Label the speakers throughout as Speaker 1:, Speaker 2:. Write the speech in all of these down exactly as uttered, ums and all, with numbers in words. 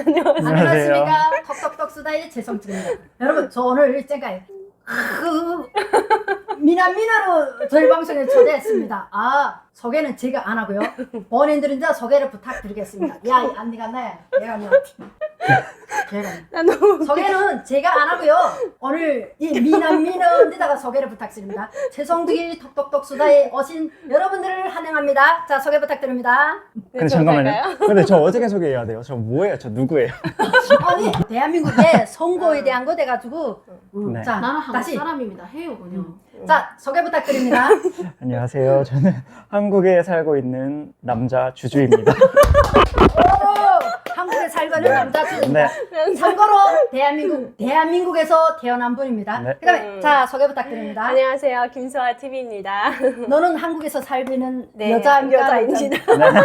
Speaker 1: 안녕하십니까. 톡톡톡 수다의 최성진입니다. 여러분, 저 오늘 제가 그 미남 미나로 저희 방송에 초대했습니다. 아, 소개는 제가 안 하고요. 본인들은 이제 소개를 부탁드리겠습니다. 야, 이 안니가 나야. 얘가 뭐 걔가
Speaker 2: 나 너무
Speaker 1: 소개는 제가 안 하고요. 오늘 이 미남 미남에다가 소개를 부탁드립니다. 최성득이 톡톡톡 수다에 오신 여러분들을 환영합니다. 자, 소개 부탁드립니다.
Speaker 3: 근데 잠깐만요. 근데 저 어떻게 소개해야 돼요? 저 뭐예요? 저 누구예요?
Speaker 1: 아니, 대한민국의 선거에 대한 거 돼가지고 음,
Speaker 3: 네.
Speaker 1: 자,
Speaker 2: 나는 한국
Speaker 1: 다시
Speaker 2: 사람입니다. 해요 그냥.
Speaker 1: 자, 소개 부탁드립니다.
Speaker 3: 안녕하세요. 저는 한국에 살고 있는 남자 주주입니다.
Speaker 1: 오, 한국에 살고 있는 남자 주입니다.
Speaker 3: 네.
Speaker 1: 참고로 대한민국 대한민국에서 태어난 분입니다.
Speaker 3: 네.
Speaker 1: 그다음에
Speaker 2: 음.
Speaker 1: 자, 소개 부탁드립니다.
Speaker 2: 안녕하세요 김수아 티비입니다.
Speaker 1: 너는 한국에서 살고 있는
Speaker 2: 네,
Speaker 1: 여자입니까?
Speaker 2: 여자입니다.
Speaker 3: 네.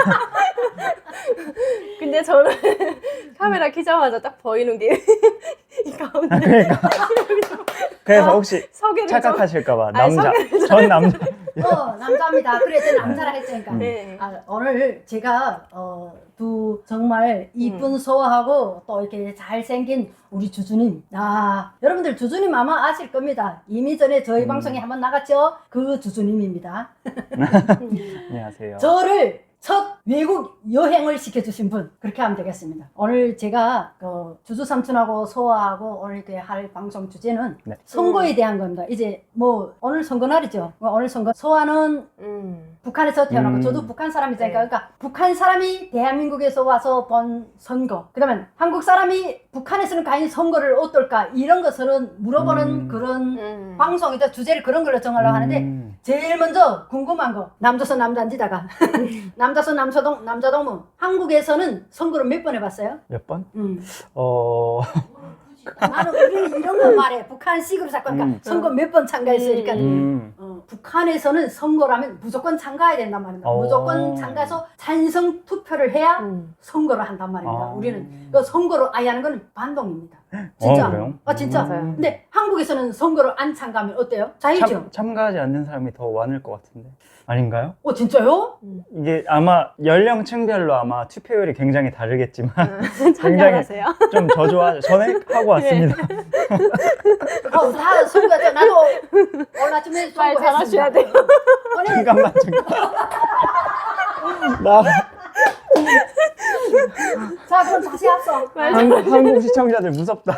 Speaker 2: 근데 저는 카메라 켜자마자 딱 보이는 게 이 가운데
Speaker 3: 그러니까. 그래서 혹시
Speaker 2: 소개를 좀-
Speaker 3: 착각하실까봐
Speaker 2: 아니,
Speaker 3: 남자.
Speaker 2: 소개를
Speaker 3: 전 남자.
Speaker 1: 어, 남자입니다. 그래, 제 남자라 했으니까.
Speaker 3: 음.
Speaker 2: 네.
Speaker 1: 아, 오늘 제가 어, 두 정말 이쁜
Speaker 2: 음.
Speaker 1: 소하고 또 이렇게 잘생긴 우리 주주님. 아, 여러분들 주주님 아마 아실 겁니다. 이미 전에 저희
Speaker 3: 음.
Speaker 1: 방송에 한번 나갔죠? 그 주주님입니다.
Speaker 3: 안녕하세요.
Speaker 1: 저를 첫 외국 여행을 시켜주신 분, 그렇게 하면 되겠습니다. 오늘 제가 그 주주 삼촌하고 소아하고 오늘 이렇게 할 방송 주제는
Speaker 3: 네.
Speaker 1: 선거에 대한 겁니다. 이제 뭐 오늘 선거날이죠. 오늘 선거. 소아는
Speaker 2: 음.
Speaker 1: 북한에서 태어나고
Speaker 3: 음.
Speaker 1: 저도 북한 사람이니까
Speaker 2: 네.
Speaker 1: 그러니까 북한 사람이 대한민국에서 와서 본 선거, 그러면 한국 사람이 북한에서는 과연 선거를 어떨까 이런 것을 물어보는
Speaker 3: 음.
Speaker 1: 그런
Speaker 2: 음.
Speaker 1: 방송이죠. 주제를 그런 걸로 정하려고 하는데
Speaker 3: 음.
Speaker 1: 제일 먼저 궁금한 거, 남조선 남단지다가 남조선 남서동 남자동무. 한국에서는 선거를 몇 번 해봤어요?
Speaker 3: 몇 번?
Speaker 1: 음.
Speaker 3: 어.
Speaker 1: 나는 우리는 이런 거 말해. 북한식으로 자꾸 그러니까
Speaker 3: 음.
Speaker 1: 선거 몇 번 참가했으니까
Speaker 3: 음.
Speaker 1: 어, 북한에서는 선거라면 무조건 참가해야 된단 말입니다.
Speaker 3: 어.
Speaker 1: 무조건 참가해서 찬성 투표를 해야
Speaker 2: 음.
Speaker 1: 선거를 한단 말입니다.
Speaker 3: 아.
Speaker 1: 우리는 그 선거를 아예 하는 건 반동입니다. 진짜.
Speaker 3: 어, 그래요?
Speaker 1: 아, 진짜.
Speaker 2: 맞아요.
Speaker 1: 근데 한국에서는 선거를 안 참가하면 어때요? 자유죠.
Speaker 3: 참, 참가하지 않는 사람이 더 많을 것 같은데. 아닌가요?
Speaker 1: 어, 진짜요?
Speaker 3: 이게 아마 연령층별로 아마 투표율이 굉장히 다르겠지만 굉장히
Speaker 2: 참여하세요.
Speaker 3: 좀 저조하죠. 전에 하고 왔습니다.
Speaker 1: 어, 다 선거죠. 나도 얼마쯤에
Speaker 2: 말 잘하셔야 돼요.
Speaker 1: 아니,
Speaker 3: 잠깐만 잠깐. 나
Speaker 1: 자, 그럼 다시 합성.
Speaker 3: 한국, 한국 시청자들 무섭다.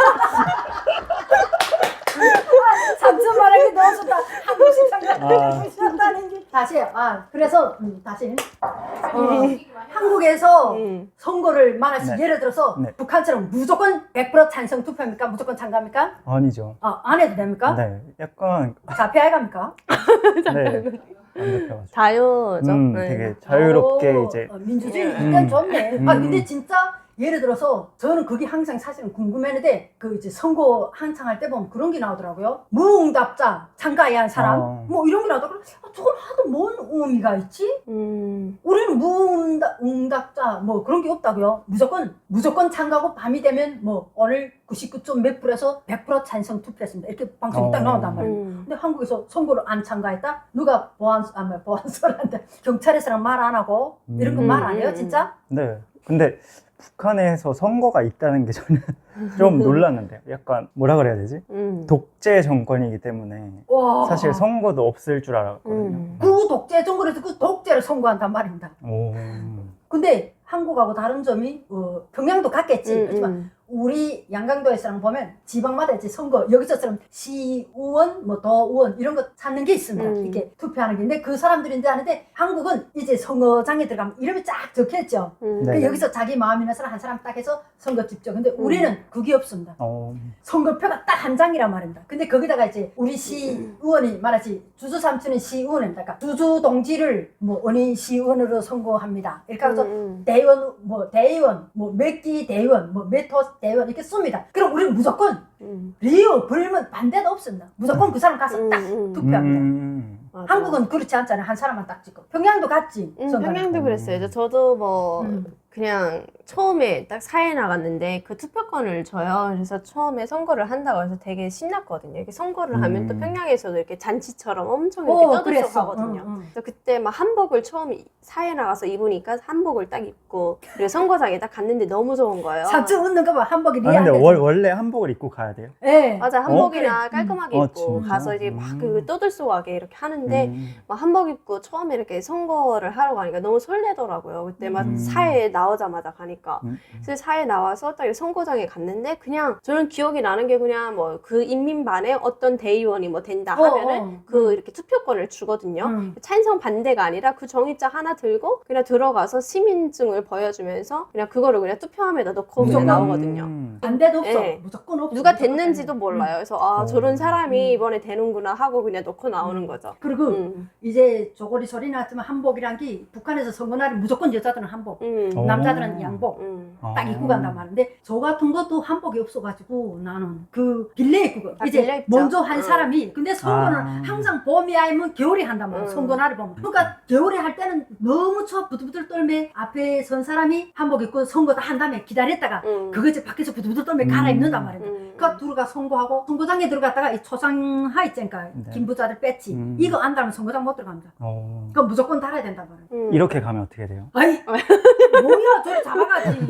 Speaker 1: 삼천 말하기 너무 좋다. 한국 시청자
Speaker 3: 아.
Speaker 1: 무시한다는 게. 다시, 아, 그래서, 음, 다시. 어, 한국에서
Speaker 2: 음.
Speaker 1: 선거를 말하시
Speaker 3: 네.
Speaker 1: 예를 들어서
Speaker 3: 네.
Speaker 1: 북한처럼 무조건 백 퍼센트 찬성 투표입니까? 무조건 참가합니까?
Speaker 3: 아니죠.
Speaker 1: 아, 안 해도 됩니까?
Speaker 3: 네, 약간
Speaker 1: 자폐아이 갑니까?
Speaker 3: 네. 완벽해가지고.
Speaker 2: 자유죠.
Speaker 3: 음,
Speaker 2: 네.
Speaker 3: 되게 자유롭게
Speaker 1: 오,
Speaker 3: 이제
Speaker 1: 어, 민주주의
Speaker 2: 음.
Speaker 1: 일단 좋네.
Speaker 3: 음.
Speaker 1: 아, 근데 진짜 예를 들어서 저는 그게 항상 사실은 궁금했는데 그 이제 선거 한창 할 때 보면 그런 게 나오더라고요. 무응답자 참가해야 한 사람
Speaker 3: 어.
Speaker 1: 뭐 이런 게 나오더라고요. 아, 저걸 하도 뭔 의미가 있지?
Speaker 2: 음.
Speaker 1: 우리는 무응답자 뭐 그런 게 없다고요. 무조건 무조건 참가하고 밤이 되면 뭐 오늘 구십구 점 몇 프로에서 백 퍼센트 찬성 투표했습니다. 이렇게 방송이 딱
Speaker 3: 어.
Speaker 1: 나온단 말이에요.
Speaker 2: 음.
Speaker 1: 근데 한국에서 선거를 안 참가했다? 누가 보안, 아, 뭐, 보안소란데 경찰에서는 말 안 하고 이런 거 말 안 해요,
Speaker 2: 음.
Speaker 1: 진짜?
Speaker 3: 네. 근데 북한에서 선거가 있다는 게 저는 좀 놀랐는데요. 약간 뭐라 그래야 되지?
Speaker 2: 음.
Speaker 3: 독재 정권이기 때문에
Speaker 1: 와.
Speaker 3: 사실 선거도 없을 줄 알았거든요.
Speaker 2: 음.
Speaker 1: 그 독재 정권에서 그 독재를 선고한단 말입니다.
Speaker 3: 오.
Speaker 1: 근데 한국하고 다른 점이 어, 평양도 같겠지.
Speaker 2: 음,
Speaker 1: 그렇지만
Speaker 2: 음.
Speaker 1: 우리 양강도에서랑 보면 지방마다 이제 선거 여기서처럼 시의원, 뭐 도의원 이런 거 찾는 게 있습니다.
Speaker 2: 음.
Speaker 1: 이렇게 투표하는 게. 근데 그 사람들이 이제 하는데 한국은 이제 선거장에 들어가면 이름이 쫙 적혀있죠.
Speaker 2: 음.
Speaker 3: 네.
Speaker 1: 그 여기서 자기 마음이나 사람 한 사람 딱 해서 선거 집죠. 근데 우리는 그게 없습니다.
Speaker 3: 어.
Speaker 1: 선거표가 딱 한 장이란 말입니다. 근데 거기다가 이제 우리 시의원이 말하지 주주 삼촌은 시의원입니다. 그러니까 주주 동지를 뭐 어느 시의원으로 선거합니다. 이렇게 해서
Speaker 2: 음.
Speaker 1: 대의원, 뭐 대의원, 뭐 몇 기 대의원, 뭐 몇 호 대의원 이렇게 씁니다. 그럼 우리는 무조건
Speaker 2: 음.
Speaker 1: 리오 불면 반대도 없습니다. 무조건 그 사람 가서 딱
Speaker 2: 음, 음.
Speaker 1: 투표합니다.
Speaker 3: 음.
Speaker 2: 맞아.
Speaker 1: 한국은 그렇지 않잖아요. 한 사람만 딱 찍고. 평양도 같지.
Speaker 2: 음,
Speaker 1: 선거는.
Speaker 2: 평양도 그랬어요. 이제 저도 뭐
Speaker 1: 음.
Speaker 2: 그냥 처음에 딱 사회 나갔는데 그 투표권을 줘요. 그래서 처음에 선거를 한다고 해서 되게 신났거든요. 이렇게 선거를 하면 또
Speaker 3: 음.
Speaker 2: 평양에서도 이렇게 잔치처럼 엄청 이렇게
Speaker 1: 오,
Speaker 2: 떠들썩
Speaker 1: 그랬어.
Speaker 2: 하거든요.
Speaker 1: 응, 응.
Speaker 2: 그래서 그때 막 한복을 처음 사회 나가서 입으니까 한복을 딱 입고 그리고 선거장에 딱 갔는데 너무 좋은 거예요.
Speaker 1: 삼촌 웃는 거 봐. 한복이
Speaker 3: 아,
Speaker 1: 리안
Speaker 3: 근데
Speaker 1: 데
Speaker 3: 월, 원래 한복을 입고 가야 돼요?
Speaker 1: 예.
Speaker 2: 맞아, 한복이나
Speaker 1: 그래.
Speaker 2: 깔끔하게
Speaker 3: 음. 어,
Speaker 2: 입고
Speaker 3: 진짜?
Speaker 2: 가서 이제
Speaker 3: 음.
Speaker 2: 막 그 떠들썩하게 이렇게 하는데
Speaker 3: 음.
Speaker 2: 막 한복 입고 처음에 이렇게 선거를 하러 가니까 너무 설레더라고요. 그때 막
Speaker 3: 음.
Speaker 2: 사회에 나오자마자 가니까.
Speaker 3: 음.
Speaker 2: 그래서 사회에 나와서 딱 선거장에 갔는데 그냥 저는 기억이 나는 게 그냥 뭐 그 인민반에 어떤 대의원이 뭐 된다
Speaker 1: 어,
Speaker 2: 하면은
Speaker 1: 어.
Speaker 2: 그 이렇게 투표권을 주거든요.
Speaker 1: 음.
Speaker 2: 찬성 반대가 아니라 그 정의자 하나 들고 그냥 들어가서 시민증을 보여주면서 그냥 그거를 그냥 투표함에다 넣고 그냥
Speaker 1: 무조건.
Speaker 2: 나오거든요.
Speaker 3: 음.
Speaker 1: 반대도 없어.
Speaker 2: 네.
Speaker 1: 무조건 없어.
Speaker 2: 누가
Speaker 1: 무조건
Speaker 2: 됐는지도
Speaker 1: 반대.
Speaker 2: 몰라요.
Speaker 1: 응.
Speaker 2: 그래서 아
Speaker 3: 어.
Speaker 2: 저런 사람이
Speaker 1: 음.
Speaker 2: 이번에 되는구나 하고 그냥 넣고 나오는
Speaker 1: 음.
Speaker 2: 거죠.
Speaker 1: 그리고
Speaker 2: 음.
Speaker 1: 이제 조거리 소리 났지만 한복이란 게 북한에서 선거날이 무조건 여자들은 한복,
Speaker 2: 음.
Speaker 3: 어.
Speaker 1: 남자들은 양복
Speaker 2: 음.
Speaker 1: 딱 입고 간단 말인데 저 같은 것도 한복이 없어가지고 나는 그 빌려 입고 가.
Speaker 2: 아,
Speaker 1: 이제
Speaker 2: 빌려 입죠.
Speaker 1: 먼저 한
Speaker 2: 응.
Speaker 1: 사람이 근데 선거는
Speaker 3: 아.
Speaker 1: 항상 봄이 아니면 겨울이 한단 말이야.
Speaker 2: 응.
Speaker 1: 선거날을 보면 그러니까 겨울에 할 때는 너무 추워 부들부들 떨매 앞에 선 사람이 한복 입고 선거 다 한 다음에 기다렸다가
Speaker 2: 음.
Speaker 1: 그거 이제 밖에서 부들부들 떨매
Speaker 3: 음.
Speaker 1: 갈아입는단 말이야.
Speaker 2: 음.
Speaker 1: 그러니까 들어가 선거하고 선거장에 들어갔다가 이 초상화 있잖아요.
Speaker 3: 네.
Speaker 1: 김부자들 뺐지.
Speaker 3: 음.
Speaker 1: 이거 안 달면 선거장 못 들어갑니다.
Speaker 3: 어.
Speaker 1: 그럼 무조건 달아야 된단 말이야.
Speaker 2: 음.
Speaker 3: 이렇게 가면 어떻게 돼요?
Speaker 1: 아이 뭐야 저리 잡아가지.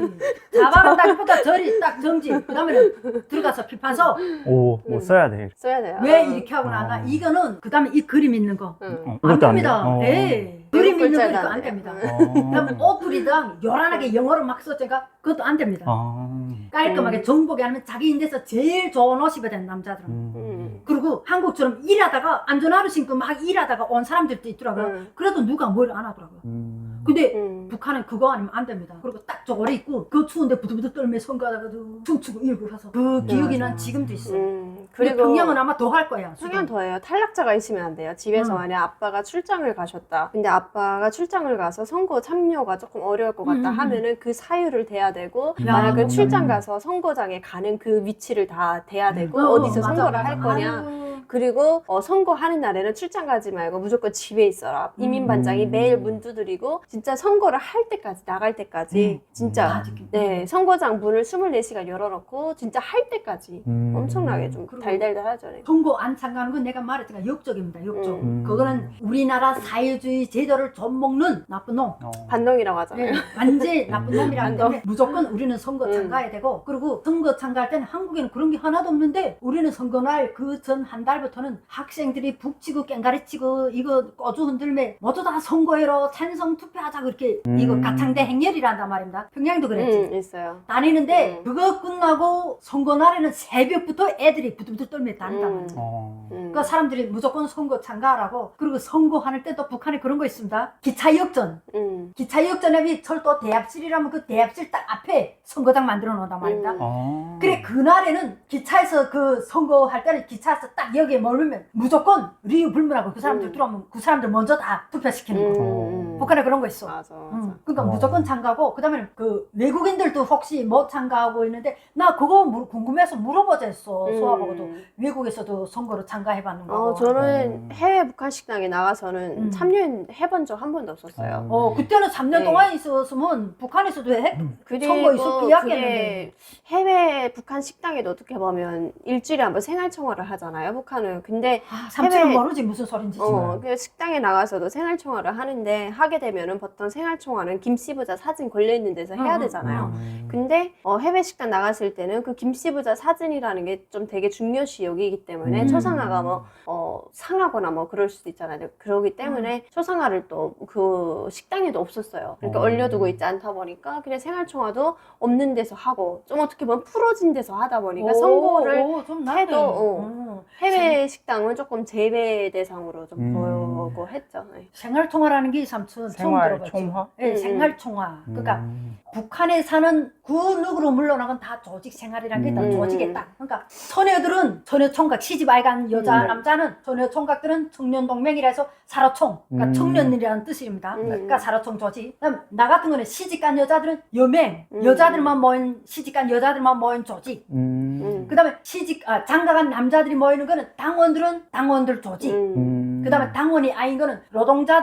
Speaker 1: 잡아간다기보다 저리 딱 정지. 그 다음에는 들어가서 필판서
Speaker 3: 오, 뭐
Speaker 2: 음.
Speaker 3: 써야 돼.
Speaker 2: 써야 돼요.
Speaker 1: 왜
Speaker 2: 어.
Speaker 1: 이렇게 하고 나나
Speaker 3: 어.
Speaker 1: 이거는 그 다음에 이 그림 있는 거.
Speaker 2: 음.
Speaker 3: 어,
Speaker 1: 안
Speaker 3: 이것도 안
Speaker 1: 됩니다.
Speaker 3: 돼요? 어.
Speaker 1: 예. 그림 있는 거
Speaker 2: 글자도
Speaker 1: 이거
Speaker 2: 안
Speaker 1: 안
Speaker 2: 돼요.
Speaker 1: 됩니다.
Speaker 3: 어.
Speaker 1: 그다음에 옷들이랑 요란하게 영어로 막 썼잖아. 그것도 안 됩니다.
Speaker 3: 아.
Speaker 1: 깔끔하게
Speaker 2: 음.
Speaker 1: 정복이 아니면 자기 인데서 제일 좋은 옷 입어야 되는 남자들은.
Speaker 3: 음.
Speaker 2: 음.
Speaker 1: 그리고 한국처럼 일하다가 안전화를 신고 막 일하다가 온 사람들도 있더라고요.
Speaker 2: 음.
Speaker 1: 그래도 누가 뭘 안 하더라고요.
Speaker 3: 음.
Speaker 1: 근데
Speaker 2: 음.
Speaker 1: 북한은 그거 아니면 안 됩니다. 그리고 딱 저거를 입고 그 추운데 부들부들 떨며 선거하다가도 춤추고 이러고 가서 그 기억이
Speaker 3: 맞아.
Speaker 1: 난 지금도 있어.
Speaker 2: 음.
Speaker 1: 근데
Speaker 2: 그리고
Speaker 1: 평양은 아마 더 할 거야.
Speaker 2: 평양 더해요. 탈락자가 있으면 안 돼요. 집에서
Speaker 1: 음.
Speaker 2: 만약 아빠가 출장을 가셨다. 근데 아빠가 출장을 가서 선거 참여가 조금 어려울 것 같다
Speaker 1: 음, 음,
Speaker 2: 하면은 그 사유를 대야 되고
Speaker 1: 야.
Speaker 2: 만약 그
Speaker 3: 음.
Speaker 2: 출장 가서 선거장에 가는 그 위치를 다 대야 되고
Speaker 1: 어,
Speaker 2: 어디서
Speaker 1: 맞아,
Speaker 2: 선거를
Speaker 1: 맞아.
Speaker 2: 할 거냐.
Speaker 1: 아유.
Speaker 2: 그리고 어, 선거하는 날에는 출장 가지 말고 무조건 집에 있어라.
Speaker 1: 음.
Speaker 2: 이민반장이
Speaker 3: 음.
Speaker 2: 매일 문 두드리고 진짜 선거를 할 때까지 나갈 때까지
Speaker 3: 음.
Speaker 2: 진짜
Speaker 1: 다 지키고.
Speaker 2: 네 선거장 문을 스물네 시간 열어놓고 진짜 할 때까지
Speaker 3: 음.
Speaker 2: 엄청나게 좀
Speaker 1: 그리고
Speaker 2: 달달달하죠. 네.
Speaker 1: 선거 안 참가하는 건 내가 말했잖아. 역적입니다. 역적.
Speaker 3: 음.
Speaker 1: 그거는 우리나라 사회주의 제도를 좀먹는 나쁜 놈.
Speaker 3: 어.
Speaker 2: 반동이라고 하잖아요.
Speaker 1: 네, 완전 나쁜 놈이라기
Speaker 2: 반동.
Speaker 1: 때문에 무조건 우리는 선거
Speaker 2: 음.
Speaker 1: 참가해야 되고 그리고 선거 참가할 때는 한국에는 그런 게 하나도 없는데 우리는 선거날 그 전 한 달부터는 학생들이 북치고 깽가리치고 이거 꺼주 흔들매 모두 다 선거해로 찬성 투표하자 그렇게
Speaker 3: 음.
Speaker 1: 이거 가창대 행렬이란단 말입니다. 평양도 그랬지.
Speaker 2: 음, 있어요.
Speaker 1: 다니는데
Speaker 2: 음.
Speaker 1: 그거 끝나고 선거날에는 새벽부터 애들이 부들부들 떨며 다닌단
Speaker 2: 음.
Speaker 1: 말이야.
Speaker 3: 어.
Speaker 2: 음.
Speaker 1: 그러니까 사람들이 무조건 선거 참가하라고. 그리고 선거하는 때도 북한에 그런 거 있습니다. 기차역전.
Speaker 2: 음.
Speaker 1: 기차역전에 철도 대합실이라면 그 대합실 딱 앞에 선거장 만들어 놓는단 말입니다.
Speaker 2: 음.
Speaker 3: 어.
Speaker 1: 그래 그날에는 기차에서 그 선거할 때는 기차에서 딱 여기에 머물면 무조건 리우 불문하고 그 사람들
Speaker 2: 음.
Speaker 1: 들어오면 그 사람들 먼저 다 투표시키는
Speaker 2: 음.
Speaker 1: 거.
Speaker 2: 음.
Speaker 1: 북한에 그런 거 있어.
Speaker 2: 맞아, 맞아.
Speaker 1: 응. 그러니까
Speaker 3: 어.
Speaker 1: 무조건 참가하고 그다음에 그 외국인들도 혹시 못 참가하고 있는데 나 그거 물- 궁금해서 물어보자 했어.
Speaker 2: 음.
Speaker 1: 소아보고도 외국에서도 선거를 참가해봤는 거고.
Speaker 2: 어, 저는
Speaker 3: 음.
Speaker 2: 해외 북한 식당에 나가서는
Speaker 1: 음.
Speaker 2: 참여해본 적 한 번도 없었어요.
Speaker 1: 어 그때는 삼 년
Speaker 2: 네.
Speaker 1: 동안 있었으면 북한에서도 해,
Speaker 2: 그리고
Speaker 1: 선거 있었고
Speaker 2: 그게
Speaker 1: 약했는데.
Speaker 2: 해외 북한 식당에도 어떻게 보면 일주일에 한 번 생활청화를 하잖아요, 북한은. 근데
Speaker 1: 아, 삼촌은
Speaker 2: 해외-
Speaker 1: 모르지 무슨 소린지.
Speaker 2: 어, 그 식당에 나가서도 생활청화를 하는데 하게 되면은 보통 생활청화는 김씨 부자 사진 걸려 있는 데서 해야
Speaker 1: 음,
Speaker 2: 되잖아요.
Speaker 3: 음.
Speaker 2: 근데 어, 해외 식당 나갔을 때는 그 김씨 부자 사진이라는 게 좀 되게 중요시 여기기 때문에
Speaker 1: 음.
Speaker 2: 초상화가 뭐 어, 상하거나 뭐 그럴 수도 있잖아요. 그러기 때문에 초상화를 또 그 식당에도 없었어요. 그러니까
Speaker 3: 어.
Speaker 2: 얼려두고 있지 않다 보니까 그냥 생활청화도 없는 데서 하고 좀 어떻게 보면 풀어진 데서 하다 보니까 선거를
Speaker 1: 오, 좀 낫네.
Speaker 2: 해도, 어.
Speaker 1: 어.
Speaker 2: 해외 식당은 조금 제외 대상으로 좀
Speaker 3: 음.
Speaker 2: 보고 했죠. 네.
Speaker 1: 생활통화라는 게 삼촌 처음
Speaker 3: 생활
Speaker 1: 들어봤죠.
Speaker 3: 총화?
Speaker 1: 네,
Speaker 2: 음,
Speaker 1: 생활통화. 그러니까
Speaker 3: 음.
Speaker 1: 북한에 사는 그 누구로 물러나건 다 조직 생활이란 게 다
Speaker 3: 음.
Speaker 1: 조직에 딱. 그러니까 처녀들은 처녀총각 시집 아이간 여자
Speaker 2: 음.
Speaker 1: 남자는 처녀총각들은 청년동맹이라 해서 사로총. 그러니까
Speaker 3: 음.
Speaker 1: 청년이라는 뜻입니다.
Speaker 2: 음.
Speaker 1: 그러니까 사로총 조직. 그다음 나 같은 거는 시집간 여자들은 여맹.
Speaker 2: 음.
Speaker 1: 여자들만 모인 시집간 여자들만 모인 조직.
Speaker 3: 음.
Speaker 2: 음.
Speaker 1: 그다음에 시집 아, 장가간 남자들이 모이는 거는 당원들은 당원들 조직.
Speaker 2: 음.
Speaker 3: 음.
Speaker 1: 그다음에 당원이 아닌 거는 노동자들은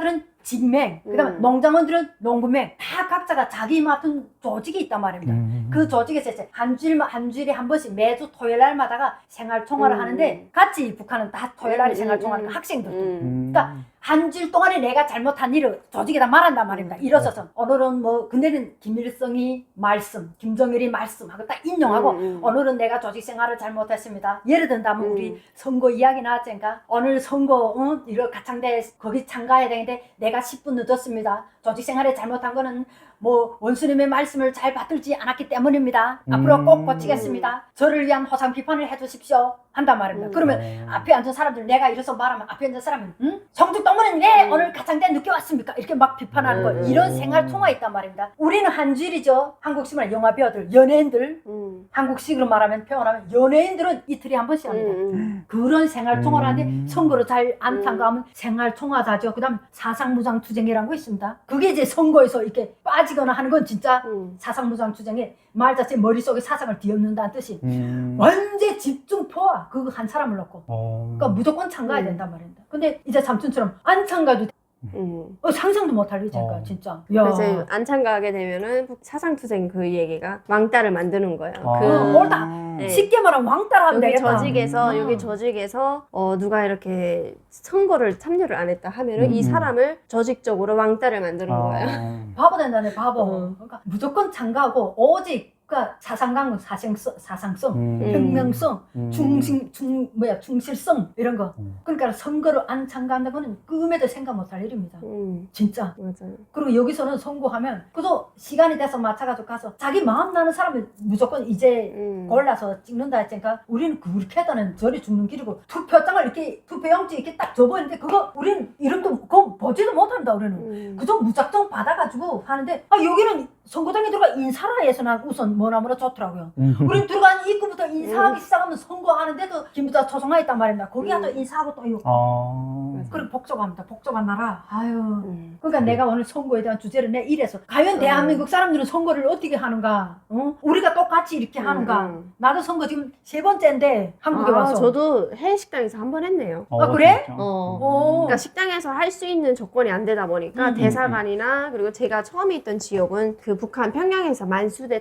Speaker 1: 직맹, 그다음에
Speaker 2: 음.
Speaker 1: 농장원들은 농구맹, 다 각자가 자기 맡은 조직이 있단 말입니다.
Speaker 3: 음.
Speaker 1: 그 조직에서 이제 한 주일 한 주일에 한 번씩 매주 토요일 날마다가 생활 총화를
Speaker 2: 음.
Speaker 1: 하는데 같이 북한은 다 토요일 날에
Speaker 2: 음,
Speaker 1: 생활
Speaker 2: 음,
Speaker 1: 총화하는
Speaker 2: 음.
Speaker 1: 학생들도.
Speaker 2: 음.
Speaker 1: 그러니까 한 주일 동안에 내가 잘못한 일을 조직에다 말한단 말입니다.
Speaker 2: 음.
Speaker 1: 일어서서 오늘은 뭐 그날은 김일성이 말씀, 김정일이 말씀하고 딱 인용하고
Speaker 2: 음, 음.
Speaker 1: 오늘은 내가 조직 생활을 잘못했습니다. 예를 든다면
Speaker 2: 음.
Speaker 1: 우리 선거 이야기 나왔잖아요. 오늘 선거 어? 이거 가창대 거기 참가해야 되는데 내가 십 분 늦었습니다. 조직 생활에 잘못한 거는 뭐 원수님의 말씀을 잘 받들지 않았기 때문입니다. 앞으로 꼭
Speaker 3: 음.
Speaker 1: 고치겠습니다. 저를 위한 호상 비판을 해주십시오. 한단 말입니다.
Speaker 2: 음.
Speaker 1: 그러면
Speaker 3: 어.
Speaker 1: 앞에 앉은 사람들 내가 이래서 말하면 앞에 앉은 사람은 응? 성북동문은 왜
Speaker 2: 음.
Speaker 1: 오늘 가창대 늦게 왔습니까? 이렇게 막 비판하는 거
Speaker 2: 음.
Speaker 1: 이런 생활 통화 있단 말입니다. 우리는 한 주일이죠. 한국식으로 영화 배우들 연예인들
Speaker 2: 음. 한국식으로
Speaker 1: 한국식으로 말하면 표현하면 연예인들은 이틀에 한 번씩 합니다.
Speaker 2: 음.
Speaker 1: 그런 생활 통화를 하는데
Speaker 3: 음.
Speaker 1: 선거를 잘 안 참가하면 생활 통화자죠. 그다음 사상무장 투쟁이라는 거 있습니다. 그게 이제 선거에서 이렇게 빠지거나 하는 건 진짜
Speaker 2: 음.
Speaker 1: 사상무장 투쟁에 말 자체 머릿속에 사상을 뒤엎는다는 뜻이
Speaker 3: 음.
Speaker 1: 완전 집중 포화 그거 한 사람을 넣고
Speaker 3: 어.
Speaker 1: 그러니까 무조건 참가해야
Speaker 2: 음.
Speaker 1: 된단 말입니다. 근데 이제 삼촌처럼 안 참가도
Speaker 2: 음.
Speaker 1: 어, 상상도 못할 일이니까
Speaker 3: 어.
Speaker 1: 진짜. 야.
Speaker 2: 그래서 안 참가하게 되면은 사상투쟁 그 얘기가 왕따를 만드는 거예요.
Speaker 3: 아.
Speaker 2: 그
Speaker 1: 어, 옳다.
Speaker 2: 네.
Speaker 1: 쉽게 말하면 왕따라 하면
Speaker 2: 여기
Speaker 1: 되겠다.
Speaker 2: 조직에서
Speaker 1: 음.
Speaker 2: 여기 조직에서 어 누가 이렇게 선거를 참여를 안 했다 하면은
Speaker 3: 음.
Speaker 2: 이 사람을 조직적으로 왕따를 만드는
Speaker 3: 아.
Speaker 2: 거예요.
Speaker 1: 바보 된다네 바보.
Speaker 2: 어.
Speaker 1: 그러니까 무조건 참가하고 오직 그러니까 사상강은 사생성, 사상성,
Speaker 3: 음.
Speaker 1: 혁명성,
Speaker 3: 음.
Speaker 1: 중심, 중 뭐야 충실성 이런 거.
Speaker 3: 음.
Speaker 1: 그러니까 선거를 안 참가한다는 거는 꿈에도 생각 못할 일입니다.
Speaker 2: 음.
Speaker 1: 진짜.
Speaker 2: 맞아요.
Speaker 1: 그리고 여기서는 선거하면 그래도 시간이 돼서 맞춰가지고 가서 자기 마음 나는 사람을 무조건 이제
Speaker 2: 음.
Speaker 1: 골라서 찍는다 했으니까 우리는 그렇게 하다는 저리 죽는 길이고 투표장을 이렇게 투표용지 이렇게 딱 접어있는데 그거 우리는 이름도 그거 보지도 못한다 우리는.
Speaker 2: 음.
Speaker 1: 그저 무작정 받아가지고 하는데 아 여기는 선거장에 들어가 인사라 해서 난 우선 뭐나뭐나 좋더라고요.
Speaker 3: 음.
Speaker 1: 우린 들어간 입구부터 인사하기
Speaker 2: 음.
Speaker 1: 시작하면 선거하는데도 김부자 초성화 있단 말입니다. 거기가
Speaker 2: 음.
Speaker 1: 또 인사하고 또 이거
Speaker 3: 아.
Speaker 1: 그리고 복잡합니다. 복잡한 나라. 아유.
Speaker 2: 음.
Speaker 1: 그러니까 내가 오늘 선거에 대한 주제를 내 이래서 과연 대한민국 사람들은 선거를 어떻게 하는가? 어? 우리가 똑같이 이렇게 하는가?
Speaker 2: 음.
Speaker 1: 나도 선거 지금 세 번째인데 한국에
Speaker 2: 아,
Speaker 1: 와서.
Speaker 2: 저도 해외 식당에서 한 번 했네요.
Speaker 3: 어,
Speaker 1: 아, 그래?
Speaker 3: 진짜?
Speaker 2: 어.
Speaker 1: 오.
Speaker 2: 그러니까 식당에서 할 수 있는 조건이 안 되다 보니까
Speaker 1: 음,
Speaker 2: 대사관이나 그리고 제가 처음에 있던 지역은 그 북한 평양에서 만수대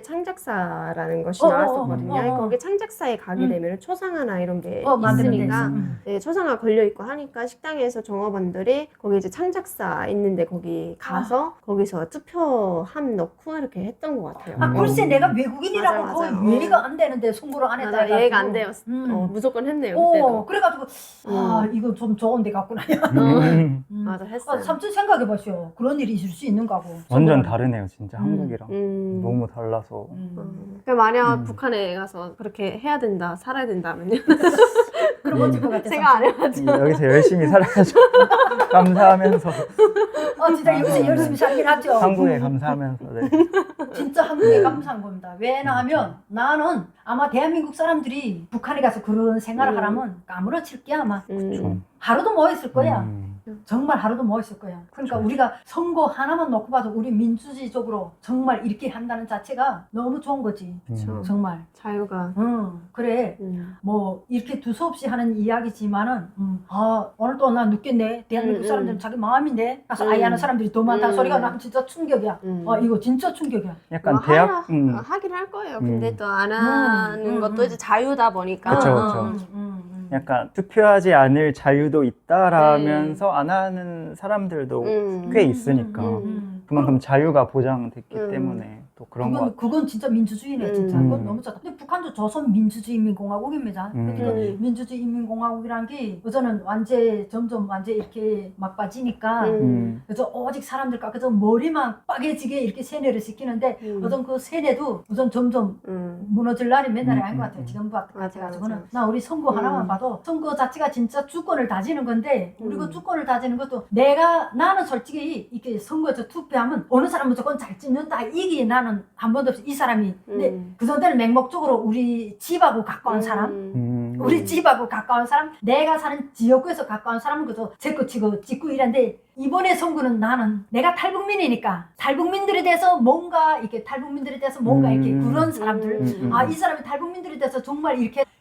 Speaker 2: 창작사라는 것이
Speaker 1: 어,
Speaker 2: 나왔었거든요.
Speaker 1: 어, 어, 어.
Speaker 2: 거기 창작사에 가게
Speaker 1: 음.
Speaker 2: 되면 초상화나 이런 게
Speaker 1: 어, 만드는 데
Speaker 2: 있으니까
Speaker 1: 있어. 음.
Speaker 2: 네, 초상화 걸려 있고 하니까 식당에서 종업원들이 거기 이제 창작사 있는데 거기 가서 거기서 투표함 넣고 이렇게 했던 것 같아요.
Speaker 1: 아,
Speaker 3: 음.
Speaker 1: 글쎄 내가 외국인이라고
Speaker 2: 맞아,
Speaker 1: 거의
Speaker 2: 맞아.
Speaker 1: 이해가 안 되는데 선거를 안 했다
Speaker 2: 맞아,
Speaker 1: 해가지고.
Speaker 2: 이해가 안 돼요.
Speaker 1: 음.
Speaker 2: 어, 무조건 했네요.
Speaker 1: 오,
Speaker 2: 그때도.
Speaker 1: 그래가지고 아 이거 좀 좋은 데 갔구나.
Speaker 3: 음.
Speaker 1: 음.
Speaker 2: 맞아, 했어요.
Speaker 1: 아, 삼촌 생각해보시오. 그런 일이 있을 수 있는 거고.
Speaker 3: 완전
Speaker 1: 선거는.
Speaker 3: 다르네요, 진짜
Speaker 1: 음.
Speaker 3: 한국이랑.
Speaker 2: 음.
Speaker 3: 너무 달라서.
Speaker 1: 음.
Speaker 2: 음. 그러니까 만약
Speaker 3: 음.
Speaker 2: 북한에 가서 그렇게 해야 된다, 살아야 된다면요.
Speaker 1: 그럼 어쩔 것 같아.
Speaker 2: 생각 안 해가지고.
Speaker 3: 여기서 열심히 살아야죠. 감사하면서
Speaker 1: 어, 진짜 여기서 열심히 살긴 하죠.
Speaker 3: 한국에 감사하면서. 네.
Speaker 1: 진짜 한국에 감사한 겁니다. 왜냐 하면 나는 아마 대한민국 사람들이 북한에 가서 그런 생활을
Speaker 2: 음.
Speaker 1: 하라면 까무러칠 게 아마
Speaker 2: 음.
Speaker 3: 좀.
Speaker 1: 하루도 뭐 있을 거야.
Speaker 3: 음.
Speaker 1: 정말 하루도 뭐 있을 거야. 그러니까
Speaker 3: 그렇죠.
Speaker 1: 우리가 선거 하나만 놓고 봐도 우리 민주주의적으로 정말 이렇게 한다는 자체가 너무 좋은 거지.
Speaker 2: 그쵸.
Speaker 1: 정말.
Speaker 2: 자유가.
Speaker 1: 응, 그래.
Speaker 2: 음.
Speaker 1: 뭐 이렇게 두서없이 하는 이야기지만은 음, 아 오늘 또 나 늦겠네. 대한민국
Speaker 2: 음,
Speaker 1: 사람들은
Speaker 2: 음.
Speaker 1: 자기 마음인데 가서
Speaker 2: 음.
Speaker 1: 아이하는 사람들이 더 많다는
Speaker 2: 음.
Speaker 1: 소리가 난 진짜 충격이야.
Speaker 2: 음.
Speaker 1: 아 이거 진짜 충격이야.
Speaker 3: 약간
Speaker 2: 뭐
Speaker 3: 대학,
Speaker 2: 하라,
Speaker 3: 음.
Speaker 2: 어, 하긴 할 거예요.
Speaker 3: 음.
Speaker 2: 근데 또 안 하는
Speaker 1: 음,
Speaker 2: 것도
Speaker 1: 음.
Speaker 2: 이제 자유다 보니까.
Speaker 3: 그쵸,
Speaker 1: 음,
Speaker 3: 그쵸.
Speaker 1: 음, 음, 음.
Speaker 3: 약간 투표하지 않을 자유도 있다라면서 안 하는 사람들도
Speaker 2: 음.
Speaker 3: 꽤 있으니까
Speaker 2: 음.
Speaker 1: 음.
Speaker 3: 그만큼 자유가 보장됐기
Speaker 2: 음.
Speaker 3: 때문에 또 그런 것
Speaker 1: 그건
Speaker 3: 같아요.
Speaker 1: 그건 진짜 민주주의네
Speaker 2: 음.
Speaker 1: 진짜. 그건
Speaker 3: 음.
Speaker 1: 너무 좋다. 근데 북한도 조선 민주주의인민공화국입니다.
Speaker 3: 음.
Speaker 1: 그러니까
Speaker 2: 음.
Speaker 1: 민주주의인민공화국이란 게 우선은 완전 점점 완전 이렇게 막 빠지니까.
Speaker 2: 음.
Speaker 3: 음.
Speaker 1: 그래서 오직 사람들과 그저 머리만 빠개지게 이렇게 세뇌를 시키는데
Speaker 2: 음.
Speaker 1: 우선 그 세뇌도 우선 점점
Speaker 2: 음.
Speaker 1: 무너질 날이 맨날이
Speaker 3: 음,
Speaker 1: 아닌 것
Speaker 3: 음,
Speaker 1: 같아요.
Speaker 3: 음.
Speaker 1: 지금 같-
Speaker 2: 맞아,
Speaker 1: 같아가지고는
Speaker 2: 맞아.
Speaker 1: 나 우리 선거
Speaker 2: 음.
Speaker 1: 하나만 봐도 선거 자체가 진짜 주권을 다지는 건데 우리 그
Speaker 2: 음.
Speaker 1: 주권을 다지는 것도 내가 나는 솔직히 이렇게 선거에서 투표하면 어느 사람 무조건 잘 찍는다 이게 나는 한 번도 없이 이 사람이 근데
Speaker 2: 음.
Speaker 1: 그 전에는 맹목적으로 우리 집하고 가까운 사람
Speaker 3: 음.
Speaker 1: 우리 집하고 가까운 사람, 내가 사는 지역구에서 가까운 사람은 그저 제거 치고 찍고 이랬는데 이번에 선거는 나는 내가 탈북민이니까 탈북민들에 대해서 뭔가 이렇게 탈북민들에 대해서 뭔가 이렇게
Speaker 3: 음.
Speaker 1: 그런 사람들
Speaker 2: 음.
Speaker 1: 아 이 사람이 탈북민들에 대해서 정말 이렇게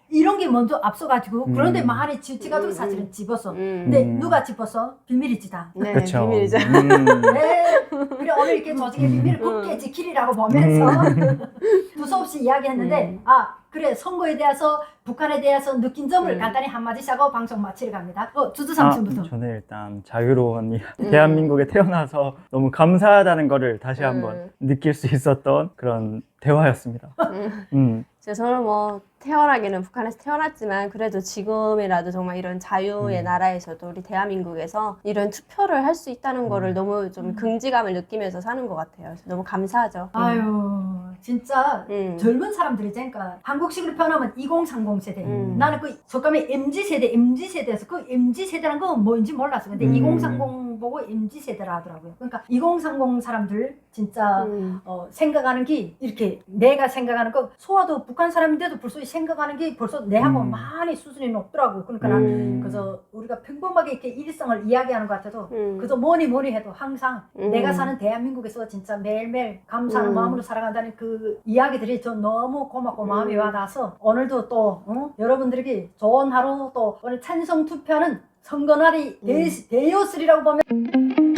Speaker 1: 이런 게 먼저 앞서가지고
Speaker 3: 음.
Speaker 1: 그런데 많이 지지가지고
Speaker 2: 음,
Speaker 1: 사실은 집었어.
Speaker 2: 음.
Speaker 1: 근데
Speaker 3: 음.
Speaker 1: 누가 집었어? 비밀이지 다.
Speaker 2: 네,
Speaker 3: 그쵸.
Speaker 2: 비밀이죠.
Speaker 3: 음.
Speaker 1: 네. 그래 오늘 이렇게 조직의 비밀을 굳게 지키리라고 보면서 두서없이 이야기했는데
Speaker 2: 음.
Speaker 1: 아 그래 선거에 대해서 북한에 대해서 느낀 점을
Speaker 2: 음.
Speaker 1: 간단히 한마디씩 하고 방송 마치러 갑니다. 어 주주
Speaker 3: 아,
Speaker 1: 삼촌부터.
Speaker 3: 저는 일단 자유로운 이
Speaker 2: 음.
Speaker 3: 대한민국에 태어나서 너무 감사하다는 거를 다시 한번
Speaker 2: 음.
Speaker 3: 느낄 수 있었던 그런 대화였습니다.
Speaker 2: 음.
Speaker 3: 음.
Speaker 2: 저는 뭐 태어나기는 북한에서 태어났지만 그래도 지금이라도 정말 이런 자유의
Speaker 3: 음.
Speaker 2: 나라에서도 우리 대한민국에서 이런 투표를 할 수 있다는 거를 너무 좀
Speaker 1: 음.
Speaker 2: 긍지감을 느끼면서 사는 것 같아요. 그래서 너무 감사하죠.
Speaker 1: 아유 진짜
Speaker 2: 음.
Speaker 1: 젊은 사람들이 그러니까 한국식으로 표현하면 이공삼공 세대.
Speaker 2: 음.
Speaker 1: 나는 그 속감이 엠지 세대, 엠지 세대에서 그 엠지 세대라는 건 뭐인지 몰랐어. 근데
Speaker 3: 음.
Speaker 1: 이공삼공 보고 엠지 세대라 하더라고요. 그러니까 이공삼공 사람들 진짜
Speaker 2: 음.
Speaker 1: 어, 생각하는 게 이렇게 내가 생각하는 거 소아도 북한 사람인데도 벌써 생각하는 게 벌써 내하고
Speaker 3: 음.
Speaker 1: 많이 수준이 높더라고. 그러니까 난
Speaker 2: 음.
Speaker 1: 그래서 우리가 평범하게 이렇게 일상을 이야기하는 것 같아도
Speaker 2: 음.
Speaker 1: 그래서 뭐니 뭐니 해도 항상
Speaker 2: 음.
Speaker 1: 내가 사는 대한민국에서 진짜 매일매일 감사하는
Speaker 2: 음.
Speaker 1: 마음으로 살아간다는 그 이야기들이 저 너무 고맙고 마음이
Speaker 2: 음.
Speaker 1: 와닿아서 오늘도 또 어? 여러분들에게 좋은 하루 또 오늘 찬성 투표하는 선거날이
Speaker 2: 음.
Speaker 1: 되, 되었으리라고 보면